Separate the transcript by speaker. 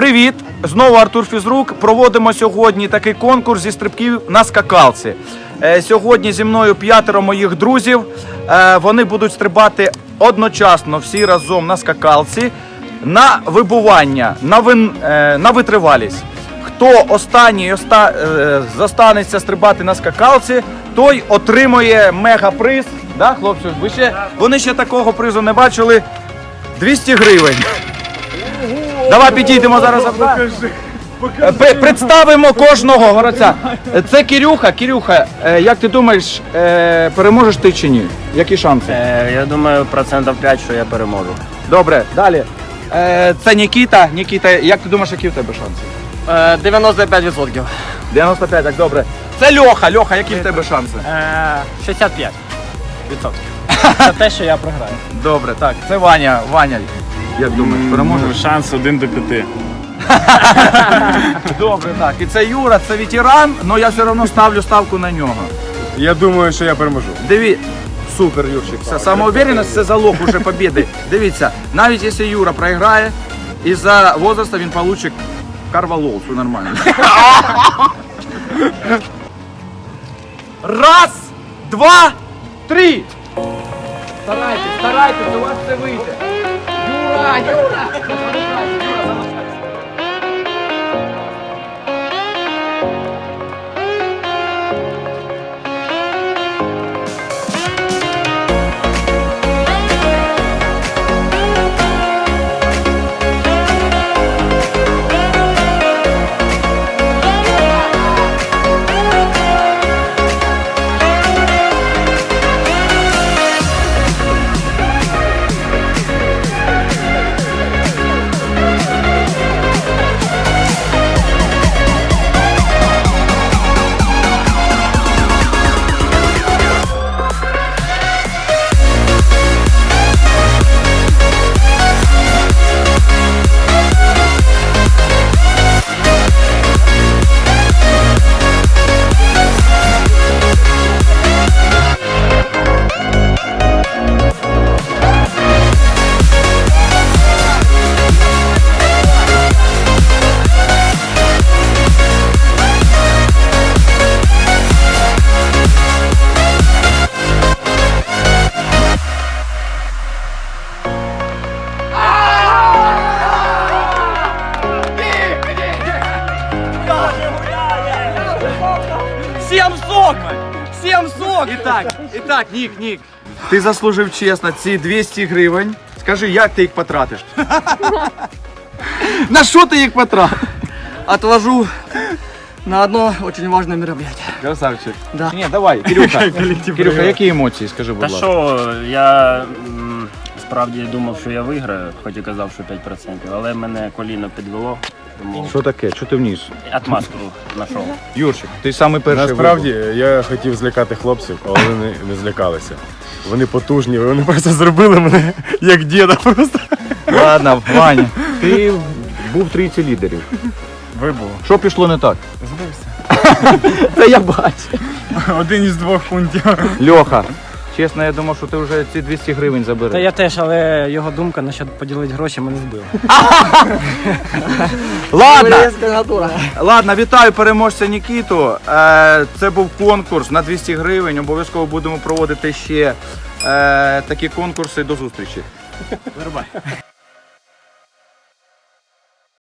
Speaker 1: Привіт! Знову Артур Фізрук. Проводимо сьогодні такий конкурс зі стрибків на скакалці. Сьогодні зі мною 5 моїх друзів. Вони будуть стрибати одночасно всі разом на скакалці на вибування, на витривалість. Хто останній зостанеться стрибати на скакалці, той отримує мегаприз. Да, хлопці? Вони ще такого призу не бачили. 200 гривень. Давай підійдемо зараз. Представимо кожного городця. Це Кирюха. Кирюха, як ти думаєш, переможеш ти чи ні? Які шанси?
Speaker 2: Я думаю, 5%, що я переможу.
Speaker 1: Добре, далі. Це Нікіта. Нікіта, як ти думаєш, які в тебе шанси?
Speaker 2: 95%.
Speaker 1: 95, так, добре. Це Льоха. Льоха, які в тебе шанси?
Speaker 2: 65%. Це те, що я програю.
Speaker 1: Добре, так. Це Ваня. Ваня, як думаєш, переможеш?
Speaker 3: Шанс 1 до 5.
Speaker 1: Добре, так. І це Юра, це ветеран, але я все одно ставлю ставку на нього.
Speaker 3: Я думаю, що я переможу.
Speaker 1: Супер, Юрчик. Це самоуверенность, це залог уже побіди. Дивіться, навіть якщо Юра програє, із-за возраста він получить карвалол, все нормально. Раз, два, три. Старайтесь, у вас все вийде. Юра! Всем сок! Итак, Нік, ти заслужив чесно ці 200 гривень. Скажи, як ти їх потратиш? На що ти їх потратиш?
Speaker 2: Отложу на одно очень важное мероприятие.
Speaker 1: Красавчик.
Speaker 2: Да.
Speaker 1: Ні, давай, Кирюха. Кирюха, які емоції, скажи, будь
Speaker 2: Та
Speaker 1: ласка.
Speaker 2: що, я справді думав, що я виграю, хоч і казав, що 5%, але мене коліно підвело, тому
Speaker 1: Що таке? Що ти вніс?
Speaker 2: отмазку знайшов.
Speaker 1: Юрчик, ти самий перший.
Speaker 3: Насправді я хотів злякати хлопців, але вони не злякалися. Вони потужні, вони просто зробили мене як діда просто.
Speaker 1: Ладно, Ваня, ти був в трійці лідерів.
Speaker 3: Вибув.
Speaker 1: Що пішло не так?
Speaker 3: Збився.
Speaker 1: Та я бачу.
Speaker 3: 1 із 2 пунктів.
Speaker 1: Льоха, чесно, я думав, що ти вже ці 200 гривень забереш.
Speaker 4: Та я теж, але його думка насчет поділити гроші мене збила.
Speaker 1: Ладно, вітаю переможця Нікіту. Це був конкурс на 200 гривень. Обов'язково будемо проводити ще такі конкурси. До зустрічі.
Speaker 4: Вирубай.